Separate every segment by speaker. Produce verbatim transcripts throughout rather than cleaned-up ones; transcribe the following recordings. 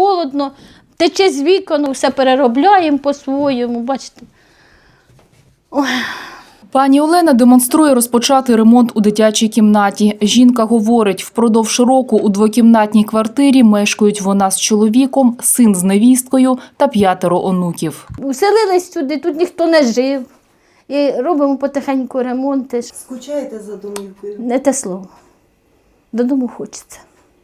Speaker 1: холодно, тече з вікон, все переробляємо по-своєму, бачите. Ой.
Speaker 2: Пані Олена демонструє розпочатий ремонт у дитячій кімнаті. Жінка говорить, впродовж року у двокімнатній квартирі мешкають вона з чоловіком, син з невісткою та п'ятеро онуків.
Speaker 1: Уселились сюди, тут ніхто не жив. І робимо потихеньку ремонти.
Speaker 3: Скучаєте за домівкою?
Speaker 1: Не те слово. Додому хочеться.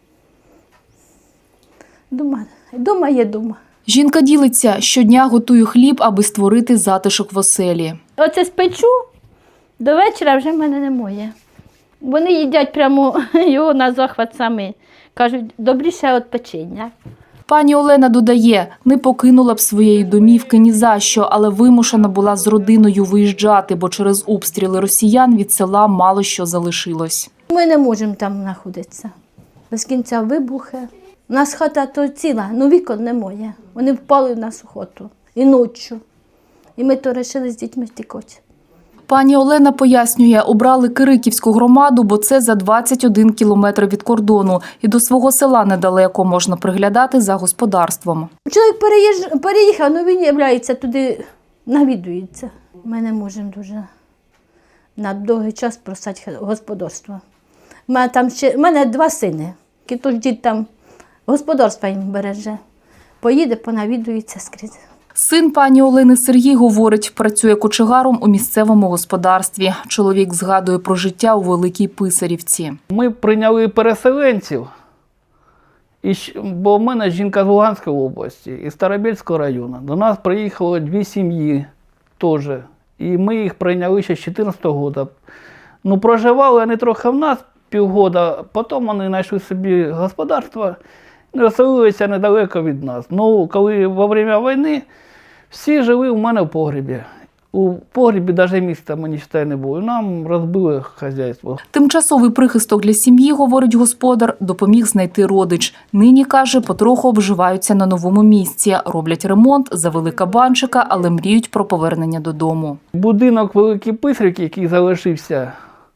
Speaker 1: Дома, дома є дома.
Speaker 2: Жінка ділиться, щодня готує хліб, аби створити затишок в оселі.
Speaker 1: Оце спечу, до вечора вже в мене немає. Вони їдять прямо його на захват самі. Кажуть, добріше від печення.
Speaker 2: Пані Олена додає, не покинула б своєї домівки ні за що, але вимушена була з родиною виїжджати, бо через обстріли росіян від села мало що залишилось.
Speaker 1: Ми не можемо там знаходитися. Без кінця вибухи. У нас хата то ціла, ну вікон немає. Вони впали в нас у хату. І ночі. І ми то вирішили з дітьми втікати.
Speaker 2: Пані Олена пояснює, обрали Кириківську громаду, бо це за двадцять один кілометр від кордону. І до свого села недалеко, можна приглядати за господарством.
Speaker 1: Чоловік переїж... переїхав, але він являється туди, навідується. Ми не можемо дуже на довгий час просати господарство. У мене, там ще... У мене два сини, які тож дід там господарство їм береже. Поїде, понавідується скрізь.
Speaker 2: Син пані Олени Сергій говорить, працює кочегаром у місцевому господарстві. Чоловік згадує про життя у Великій Писарівці.
Speaker 4: Ми прийняли переселенців, і, бо в мене жінка з Луганської області, із Старобільського району. До нас приїхало дві сім'ї теж, і ми їх прийняли ще з чотирнадцятого року. Ну, проживали вони трохи в нас півгода, потім вони знайшли собі господарство, розселилися недалеко від нас. Ну, коли во время війни всі жили у мене в погребі. У погребі навіть міста, мені вважаю, не було. Нам розбили хазяйство.
Speaker 2: Тимчасовий прихисток для сім'ї, говорить господар, допоміг знайти родич. Нині, каже, потроху обживаються на новому місці. Роблять ремонт, завели кабанчика, але мріють про повернення додому.
Speaker 4: Будинок Великий Писарівки, який залишився,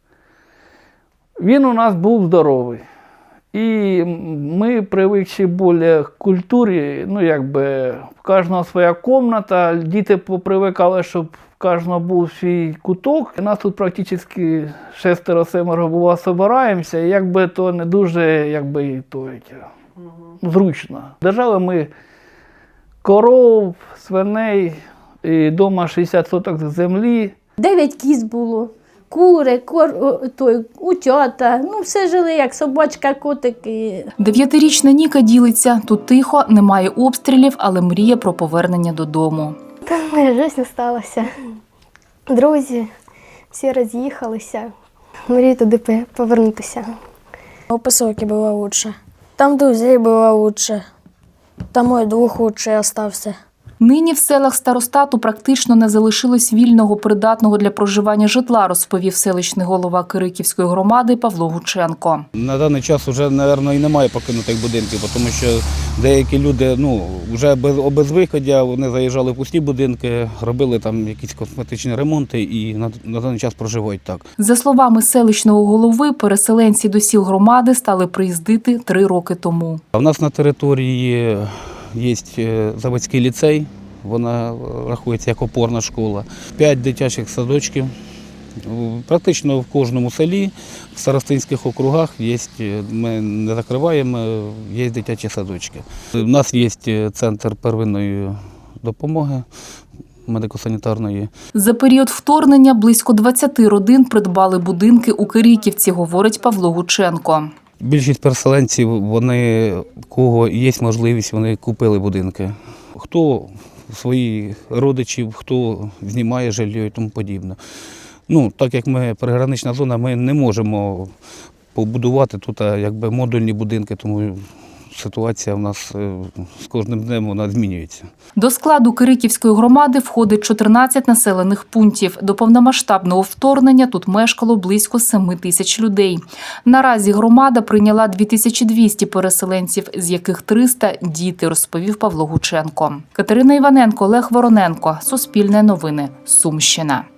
Speaker 4: він у нас був здоровий. І ми привикші більше к культурі, ну якби в кожного своя кімната, діти попривикали, щоб в кожного був свій куток. У нас тут практично шестеро-семеро було, збираємося, і якби то не дуже якби, то, зручно. Держали ми коров, свиней, і вдома шістдесят соток землі.
Speaker 1: Дев'ять кіз було. Кури, кор, той, утята, ну все жили, як собачка, котики.
Speaker 2: Дев'ятирічна Ніка ділиться, тут тихо, немає обстрілів, але мріє про повернення додому.
Speaker 5: Там моя життя сталася. Друзі, всі роз'їхалися. Мрію туди повернутися.
Speaker 6: У поселке было лучше. Там друзей было лучше. Там мой друг лучше остався.
Speaker 2: Нині в селах старостату практично не залишилось вільного, придатного для проживання житла, розповів селищний голова Кириківської громади Павло Гученко.
Speaker 7: На даний час вже, мабуть, і немає покинутих будинків, тому що деякі люди, ну, вже без, без виходу, вони заїжджали в пусті будинки, робили там якісь косметичні ремонти і на, на даний час проживають так. За словами селищного голови, переселенці до сіл громади стали приїздити три роки тому. У нас на території є заводський ліцей, вона рахується як опорна школа, п'ять дитячих садочків. Практично в кожному селі, в старостинських округах є, ми не закриваємо, є дитячі садочки. У нас є центр первинної допомоги медико-санітарної. За період вторгнення близько двадцяти родин придбали будинки у Кириківці, говорить Павло Гученко. Більшість переселенців, вони, у кого є можливість, вони купили будинки. Хто своїх родичів, хто знімає житло і тому подібне. Ну, так як ми пригранична зона, ми не можемо побудувати тут якби модульні будинки, тому ситуація в нас з кожним днем вона змінюється. До складу Кириківської громади входить чотирнадцять населених пунктів. До повномасштабного вторгнення тут мешкало близько семи тисяч людей. Наразі громада прийняла дві тисячі двісті переселенців, з яких триста – діти, розповів Павло Гученко. Катерина Іваненко, Олег Вороненко. Суспільне новини. Сумщина.